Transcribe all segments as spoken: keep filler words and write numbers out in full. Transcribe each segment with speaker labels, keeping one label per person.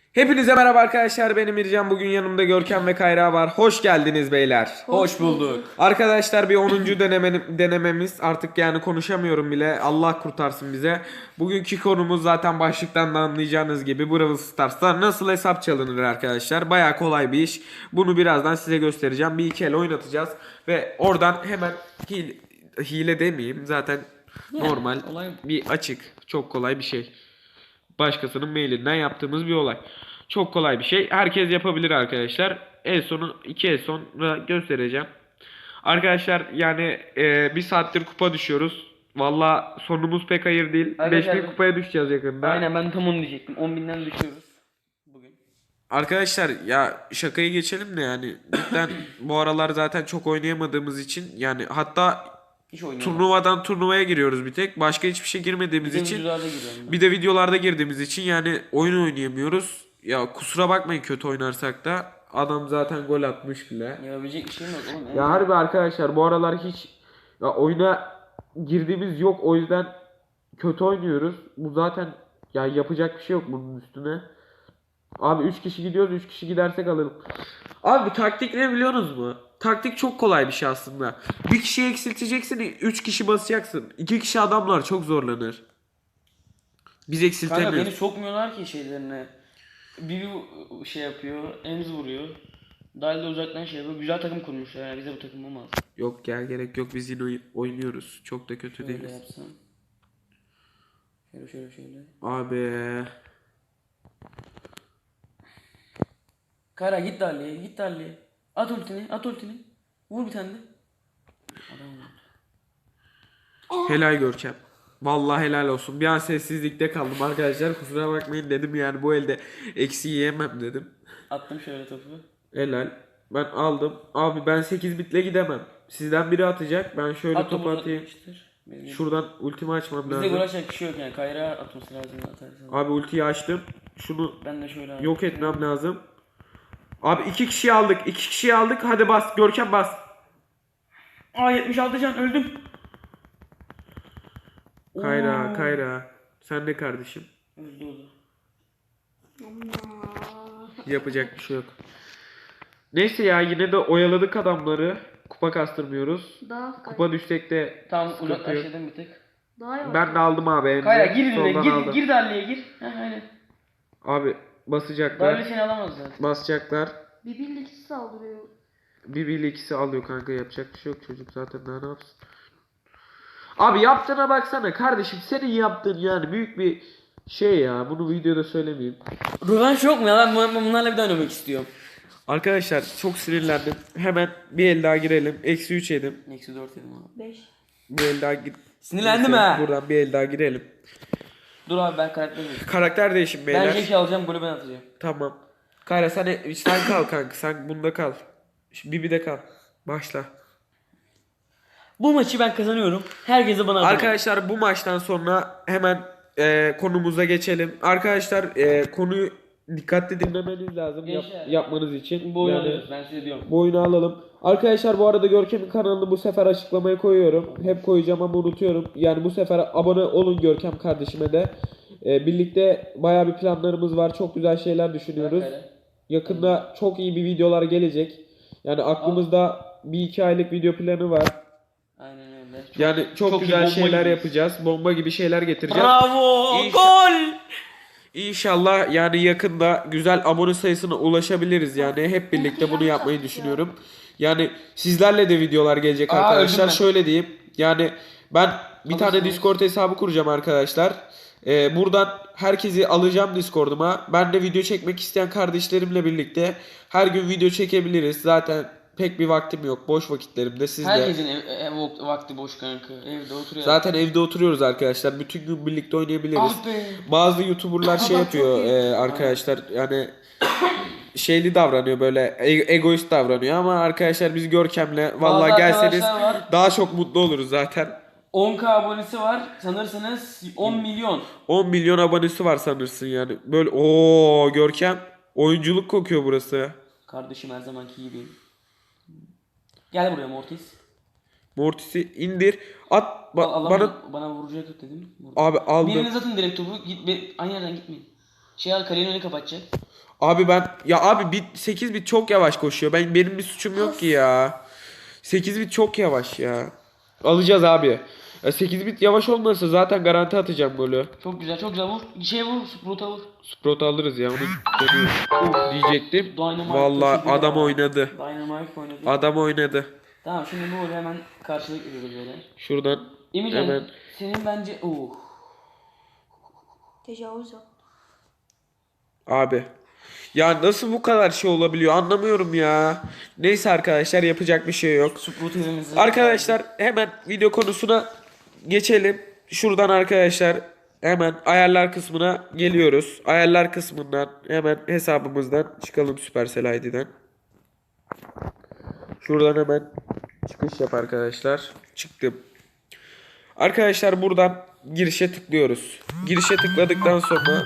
Speaker 1: Hepinize merhaba arkadaşlar, benim İrcan. Bugün yanımda Görkem ve Kayra var. Hoş geldiniz beyler.
Speaker 2: Hoş bulduk.
Speaker 1: Arkadaşlar bir onuncu deneme, denememiz artık, yani konuşamıyorum bile, Allah kurtarsın bize. Bugünkü konumuz zaten başlıktan da anlayacağınız gibi Brawl Stars'ta nasıl hesap çalınır arkadaşlar. Baya kolay bir iş. Bunu birazdan size göstereceğim. Bir iki el oynatacağız ve oradan hemen hile, hile demeyeyim zaten, normal
Speaker 2: olay-
Speaker 1: bir açık, çok kolay bir şey. Başkasının mailinden yaptığımız bir olay. Çok kolay bir şey. Herkes yapabilir arkadaşlar. En sonu iki el sonra göstereceğim. Arkadaşlar yani e, bir saattir kupa düşüyoruz. Valla sonumuz pek hayır değil. beş
Speaker 2: Arkadaşlar-
Speaker 1: bin kupaya düşeceğiz yakında.
Speaker 2: Aynen, ben tam onu diyecektim. on binden düşüyoruz bugün.
Speaker 1: Arkadaşlar ya şakayı geçelim de, yani cidden bu aralar zaten çok oynayamadığımız için, yani hatta
Speaker 2: Hiç oynayamadım.
Speaker 1: turnuvadan turnuvaya giriyoruz bir tek. Başka hiçbir şey girmediğimiz
Speaker 2: Bir de
Speaker 1: için.
Speaker 2: videolarda giriyorum ben.
Speaker 1: Bir de videolarda girdiğimiz için yani oyun oynayamıyoruz. Ya kusura bakmayın kötü oynarsak da, adam zaten gol atmış bile.
Speaker 2: Yapabilecek bir şeyim yok oğlum.
Speaker 1: Ya harbi arkadaşlar bu aralar hiç ya oyuna girdiğimiz yok, o yüzden kötü oynuyoruz. Bu zaten ya yapacak bir şey yok bunun üstüne. Abi üç kişi gidiyoruz, üç kişi gidersek alalım. Abi taktik ne biliyorsunuz mu? Taktik çok kolay bir şey aslında. Bir kişiyi eksilteceksin, üç kişi basacaksın. iki kişi adamlar çok zorlanır. Biz
Speaker 2: Kanka
Speaker 1: eksiltemiyoruz.
Speaker 2: beni sokmuyorlar ki şeylerine. Bir bir şey yapıyor, Enz vuruyor. Dahil de uzaktan şey yapıyor. Güzel takım kurmuşlar yani, bize bu takım olmaz.
Speaker 1: Yok gel, gerek yok, biz yine oy- oynuyoruz. Çok da kötü
Speaker 2: Şöyle
Speaker 1: değiliz.
Speaker 2: yapsam. Şöyle şöyle şöyle.
Speaker 1: Abi
Speaker 2: Kara git Dahli'ye, git Dahli'ye. At ultini, at ultini. Vur bir tane de. Adam vurdu.
Speaker 1: helal Görkem. Vallahi helal olsun. Bir an sessizlikte kaldım arkadaşlar. Kusura bakmayın dedim, yani bu elde eksi yiyemem dedim.
Speaker 2: Attım şöyle topu.
Speaker 1: Helal. Ben aldım. Abi ben sekiz bitle gidemem. Sizden biri atacak. Ben şöyle
Speaker 2: At
Speaker 1: topu
Speaker 2: topu
Speaker 1: atayım.
Speaker 2: uzatmıştır. Benim-
Speaker 1: Şuradan ultimi açmam
Speaker 2: Bizde
Speaker 1: lazım.
Speaker 2: gol atacak bir şey yok yani. Kayra atması lazım atarsan.
Speaker 1: Abi ultiyi açtım. Şunu
Speaker 2: Ben de şöyle abi.
Speaker 1: yok etmem lazım. Abi iki kişiyi aldık. iki kişiyi aldık. Hadi bas. Görkem bas.
Speaker 2: Aa yetmiş altı can öldüm.
Speaker 1: Kayra,
Speaker 2: Oo.
Speaker 1: Kayra. Sen de kardeşim.
Speaker 2: Öldü o da.
Speaker 1: Yapacak bir şey yok. Neyse ya, yine de oyaladık adamları. Kupa kastırmıyoruz.
Speaker 3: Daha
Speaker 1: Kupa düşsek de
Speaker 2: Tamam
Speaker 1: sıkıntı yok.
Speaker 2: uzaklaştırdım bir tık.
Speaker 3: Daha yavaş.
Speaker 1: Ben de aldım abi. elini.
Speaker 2: Kayra gir
Speaker 1: Soldan
Speaker 2: birine gir
Speaker 1: aldım.
Speaker 2: gir Darli'ye gir. Heh aynen.
Speaker 1: Abi basacaklar.
Speaker 2: Darli seni alamaz zaten.
Speaker 1: Basacaklar.
Speaker 3: Bir birlik saldırıyor.
Speaker 1: Bir bir ikisi alıyor kanka, yapacak bir şey yok, çocuk zaten daha ne yapsın. Abi yaptığına baksana kardeşim, senin yaptığın yani büyük bir şey ya, bunu videoda söylemeyeyim.
Speaker 2: Rövanş yok mu ya? Ben bu- bunlarla bir daha oynamak istiyorum.
Speaker 1: Arkadaşlar çok sinirlendim, hemen bir el daha girelim, eksi üç yedim,
Speaker 2: Eksi dört yedim abi.
Speaker 3: Beş.
Speaker 1: bir el daha gir.
Speaker 2: Sinirlendim
Speaker 1: Neyse,
Speaker 2: ha.
Speaker 1: Buradan bir el daha girelim.
Speaker 2: Dur abi ben karakter değiştireyim.
Speaker 1: Karakter değişim beyler.
Speaker 2: Ben Jack'i alacağım, golü ben atacağım.
Speaker 1: Tamam. Kayra sen, sen kal kanka, sen bunda kal. Bibi de kal. Başla.
Speaker 2: Bu maçı ben kazanıyorum. Herkese bana atacağım.
Speaker 1: Arkadaşlar bu maçtan sonra hemen e, konumuza geçelim. Arkadaşlar e, konuyu dikkatli dinlemeniz lazım yap-
Speaker 2: Gençler,
Speaker 1: yapmanız için.
Speaker 2: Bu oyunu
Speaker 1: Yani
Speaker 2: alıyoruz, ben size diyorum.
Speaker 1: bu oyunu alalım. Arkadaşlar bu arada Görkem'in kanalını bu sefer açıklamaya koyuyorum. Hep koyacağım ama unutuyorum. Yani bu sefer abone olun Görkem kardeşime de. E, birlikte bayağı bir planlarımız var. Çok güzel şeyler düşünüyoruz.
Speaker 2: Kayra.
Speaker 1: Yakında çok iyi bir videolar gelecek. Yani aklımızda bir iki aylık video planı var.
Speaker 2: Aynen öyle. Çok-
Speaker 1: Yani çok,
Speaker 2: çok iyi,
Speaker 1: güzel
Speaker 2: bomba
Speaker 1: şeyler
Speaker 2: gibi.
Speaker 1: yapacağız. Bomba gibi şeyler getireceğiz.
Speaker 2: Bravo!
Speaker 1: İnşa-
Speaker 2: Gol!
Speaker 1: İnşallah yani yakında güzel abone sayısına ulaşabiliriz. Yani hep birlikte bunu yapmayı düşünüyorum. Yani sizlerle de videolar gelecek
Speaker 2: Aa,
Speaker 1: arkadaşlar.
Speaker 2: öldüm ben.
Speaker 1: Şöyle diyeyim. Yani ben bir tane
Speaker 2: Alırsınız.
Speaker 1: Discord hesabı kuracağım arkadaşlar. Ee, buradan herkesi alacağım Discord'uma. Ben de video çekmek isteyen kardeşlerimle birlikte her gün video çekebiliriz. Zaten pek bir vaktim yok. Boş vakitlerimde siz de.
Speaker 2: Herkesin ev, ev vak- vakti boş kanka. Evde oturuyor.
Speaker 1: Zaten evde oturuyoruz arkadaşlar. Bütün gün birlikte oynayabiliriz.
Speaker 2: Ah be.
Speaker 1: Bazı YouTuber'lar şey
Speaker 2: Ama
Speaker 1: yapıyor
Speaker 2: çok iyi.
Speaker 1: e, arkadaşlar, yani şeyli davranıyor, böyle e- egoist davranıyor ama arkadaşlar biz Görkem'le vallahi
Speaker 2: Bazı
Speaker 1: gelseniz
Speaker 2: arkadaşlar var.
Speaker 1: daha çok mutlu oluruz zaten.
Speaker 2: on K abonesi var. Sanırsanız on milyon.
Speaker 1: on milyon abonesi var sanırsın yani. Böyle o Görkem oyunculuk kokuyor burası.
Speaker 2: Kardeşim her zamanki gibi. Gel buraya Mortis.
Speaker 1: Mortis'i indir. At ba-
Speaker 2: Al,
Speaker 1: bana
Speaker 2: bana bana vuracak dedim. Vurdu.
Speaker 1: abi aldım.
Speaker 2: Biriniz atın direkt topu. Git be, aynı yerden gitmeyin. Şey al, kalenin önünü kapatacak.
Speaker 1: Abi ben ya abi bit sekiz bit çok yavaş koşuyor. Ben benim bir suçum yok ki ya. sekiz bit çok yavaş ya. Alacağız abi. Ya sekiz bit yavaş olmasa zaten garanti atacağım golü.
Speaker 2: Çok güzel çok güzel vur. Şeye vur. Sprout'a vur.
Speaker 1: Sprout alırız ya onu görüyoruz. Diyecektim.
Speaker 2: Dynamite
Speaker 1: Vallahi
Speaker 2: taşıdı
Speaker 1: adam
Speaker 2: ya.
Speaker 1: oynadı.
Speaker 2: Dynamite oynadı.
Speaker 1: Adam oynadı.
Speaker 2: Tamam şimdi bu golü hemen karşılık veriyoruz böyle.
Speaker 1: Şuradan
Speaker 2: Emircan
Speaker 1: hemen.
Speaker 2: senin bence... Uh.
Speaker 3: Tecavüz yap.
Speaker 1: Abi. Ya nasıl bu kadar şey olabiliyor anlamıyorum ya. Neyse arkadaşlar yapacak bir şey yok.
Speaker 2: Sprout evimizi...
Speaker 1: Arkadaşlar hemen video konusuna geçelim. Şuradan arkadaşlar hemen ayarlar kısmına geliyoruz. Ayarlar kısmından hemen hesabımızdan çıkalım Supercell I D'den. Şuradan hemen çıkış yap arkadaşlar. Çıktım. Arkadaşlar buradan girişe tıklıyoruz. Girişe tıkladıktan sonra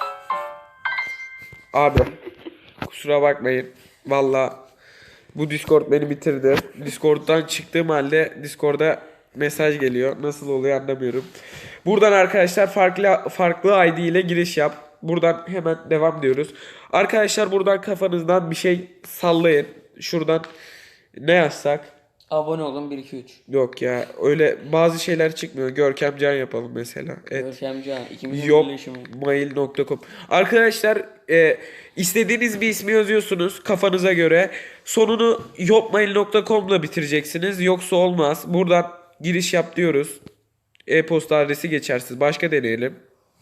Speaker 1: abi kusura bakmayın. Valla bu Discord beni bitirdi. Discord'dan çıktığım halde Discord'a mesaj geliyor. Nasıl oluyor anlamıyorum. Buradan arkadaşlar farklı farklı I D ile giriş yap. Buradan hemen devam diyoruz. Arkadaşlar buradan kafanızdan bir şey sallayın. Şuradan ne yazsak?
Speaker 2: Abone olun bir iki üç.
Speaker 1: Yok ya öyle bazı şeyler çıkmıyor. Görkem Can yapalım mesela. Evet.
Speaker 2: Görkemcan. İkimizin
Speaker 1: Yok
Speaker 2: birleşimi.
Speaker 1: mail nokta com. Arkadaşlar e, istediğiniz bir ismi yazıyorsunuz kafanıza göre. Sonunu yopmail nokta com'la bitireceksiniz. Yoksa olmaz. Buradan giriş yap diyoruz. E-posta adresi geçersiz. Başka deneyelim.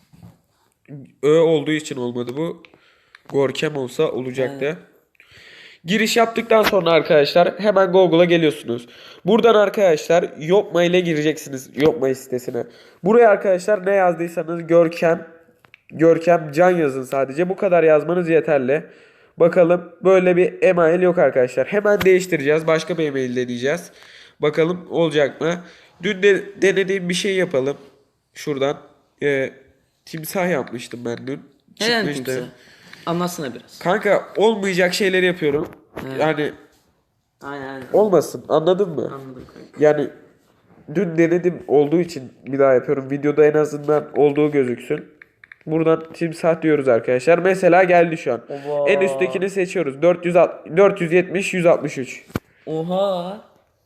Speaker 1: Ö olduğu için olmadı bu. Gorkem olsa olacaktı.
Speaker 2: Evet.
Speaker 1: Giriş yaptıktan sonra arkadaşlar hemen Google'a geliyorsunuz. Buradan arkadaşlar Yopma ile gireceksiniz Yopma sitesine. Buraya arkadaşlar ne yazdıysanız Görkem Görkem Can yazın sadece. Bu kadar yazmanız yeterli. Bakalım böyle bir email yok arkadaşlar. Hemen değiştireceğiz. Başka bir email deneyeceğiz. Bakalım olacak mı? Dün de denediğim bir şey yapalım. Şuradan e, timsah yapmıştım ben dün.
Speaker 2: Neden
Speaker 1: Çıkmıştı.
Speaker 2: timsah? Anlatsana biraz.
Speaker 1: Kanka olmayacak şeyleri yapıyorum.
Speaker 2: Evet.
Speaker 1: Yani
Speaker 2: Aynen aynen.
Speaker 1: olmasın anladın mı?
Speaker 2: Anladım kanka.
Speaker 1: Yani dün denedim olduğu için bir daha yapıyorum. Videoda en azından olduğu gözüksün. Buradan timsah diyoruz arkadaşlar. Mesela geldi şu an.
Speaker 2: Oba.
Speaker 1: En üsttekini seçiyoruz. dört yüz dört yüz yetmiş yüz altmış üç.
Speaker 2: Oha.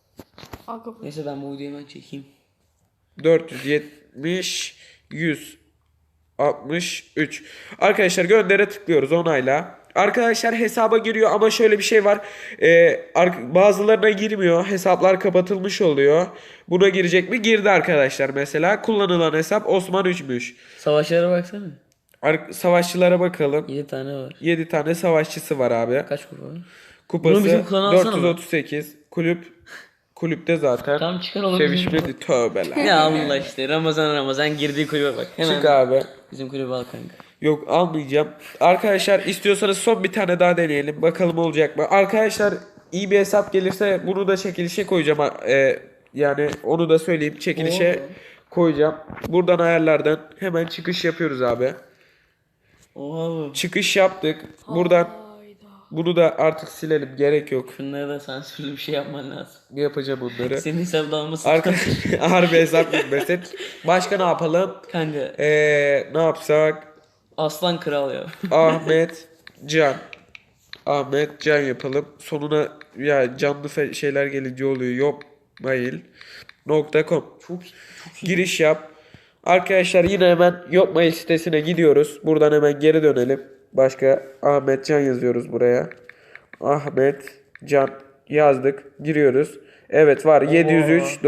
Speaker 3: Aga bu.
Speaker 2: Neyse ben bu videoyu hemen çekeyim.
Speaker 1: dört yüz yetmiş yüz altmış üç. Arkadaşlar göndere tıklıyoruz onayla. Arkadaşlar hesaba giriyor ama şöyle bir şey var. Ee, bazılarına girmiyor. Hesaplar kapatılmış oluyor. Buna girecek mi? Girdi arkadaşlar mesela. Kullanılan hesap Osman üçmüş.
Speaker 2: Savaşlara baksana.
Speaker 1: Ar- Savaşçılara bakalım.
Speaker 2: yedi tane var.
Speaker 1: yedi tane savaşçısı var abi.
Speaker 2: Kaç kupa var?
Speaker 1: Kupası
Speaker 2: Bunu bizim klana alsana
Speaker 1: dört yüz otuz sekiz. Kulüp kulüpte zaten.
Speaker 2: Tamam çıkar oğlum.
Speaker 1: Sevişmedi tövbeler.
Speaker 2: Ya Allah işte Ramazan Ramazan girdiği kulübe bak. Hemen
Speaker 1: Çık abi.
Speaker 2: bizim kulübe al kanka.
Speaker 1: Yok almayacağım. Arkadaşlar istiyorsanız son bir tane daha deneyelim. Bakalım olacak mı? Arkadaşlar iyi bir hesap gelirse bunu da çekilişe koyacağım. Ee, yani onu da söyleyeyim. Çekilişe
Speaker 2: Oo.
Speaker 1: koyacağım. Buradan ayarlardan hemen çıkış yapıyoruz abi.
Speaker 2: Oha bu.
Speaker 1: Çıkış yaptık. Buradan
Speaker 3: Hayda.
Speaker 1: bunu da artık silelim. Gerek yok.
Speaker 2: Şunlara da sansürlü bir şey yapman lazım.
Speaker 1: Yapacağım onları.
Speaker 2: Senin hesabda almasın.
Speaker 1: Arkadaşlar harbi hesap gitmesin. Başka ne yapalım?
Speaker 2: Kanka
Speaker 1: Ee, ne yapsak?
Speaker 2: aslan kral ya.
Speaker 1: Ahmet Can. Ahmet Can yapalım. Sonuna ya canlı fe- şeyler gelince oluyor. Yok mail nokta com.
Speaker 2: Çok çok iyi.
Speaker 1: Giriş yap. Arkadaşlar yine hemen Yok Mail sitesine gidiyoruz. Buradan hemen geri dönelim. Başka Ahmet Can yazıyoruz buraya. Ahmet Can yazdık. Giriyoruz. Evet var. yedi yüz üç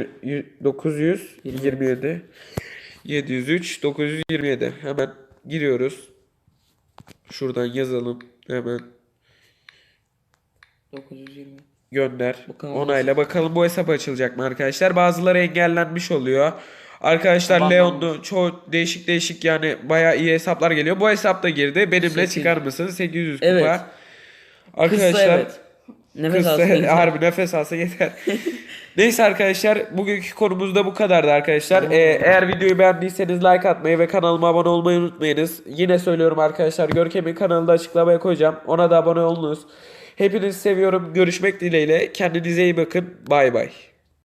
Speaker 1: dokuz yüz yirmi yedi. yedi yüz üç dokuz yüz yirmi yedi. Hemen giriyoruz. Şuradan yazalım. Hemen
Speaker 2: dokuz yüz yirmi.
Speaker 1: gönder.
Speaker 2: Bakalım
Speaker 1: Onayla bakalım bu hesap açılacak mı arkadaşlar? Bazıları engellenmiş oluyor. Arkadaşlar
Speaker 2: Tamam.
Speaker 1: Leon'lu çoğu değişik değişik yani bayağı iyi hesaplar geliyor. Bu hesap da girdi. Benimle
Speaker 2: sekiz.
Speaker 1: çıkar mısın? sekiz yüz kupa.
Speaker 2: Evet.
Speaker 1: Arkadaşlar
Speaker 2: Kızsa evet. Nefes
Speaker 1: kızsa
Speaker 2: alsın. yeter.
Speaker 1: harbi nefes alsa yeter. Neyse arkadaşlar bugünkü konumuz da bu kadardı arkadaşlar. Ee, eğer videoyu beğendiyseniz like atmayı ve kanalıma abone olmayı unutmayınız. Yine söylüyorum arkadaşlar Görkem'in kanalını da açıklamaya koyacağım. Ona da abone olunuz. Hepinizi seviyorum. Görüşmek dileğiyle. Kendinize iyi bakın. Bay bay.